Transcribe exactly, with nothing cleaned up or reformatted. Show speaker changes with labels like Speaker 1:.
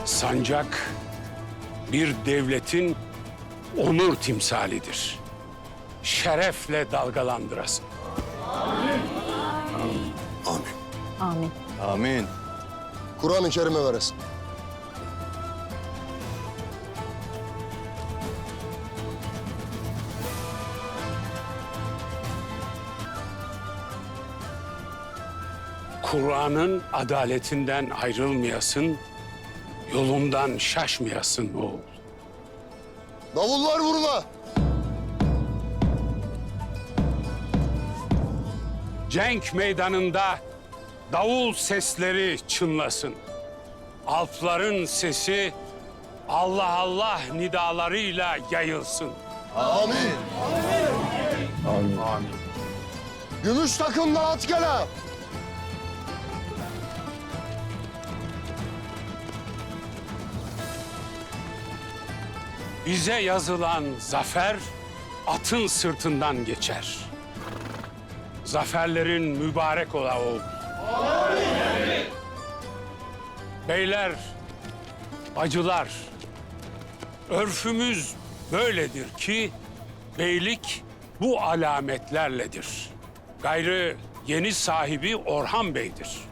Speaker 1: Sancak bir devletin onur timsalidir. Şerefle dalgalandırasın.
Speaker 2: Amin.
Speaker 3: Amin.
Speaker 4: Amin.
Speaker 2: Kur'an-ı Kerim'e veresin.
Speaker 1: Kur'an'ın adaletinden ayrılmayasın, yolundan şaşmayasın oğul.
Speaker 2: Davullar vurula.
Speaker 1: Cenk meydanında davul sesleri çınlasın. Alpların sesi Allah Allah nidalarıyla yayılsın.
Speaker 2: Amin.
Speaker 4: Amin. Amin.
Speaker 2: Gümüş takımla at gele.
Speaker 1: Bize yazılan zafer atın sırtından geçer. Zaferlerin mübarek ola oğul. Amin. Beyler, bacılar, örfümüz böyledir ki beylik bu alametlerledir. Gayrı yeni sahibi Orhan Bey'dir.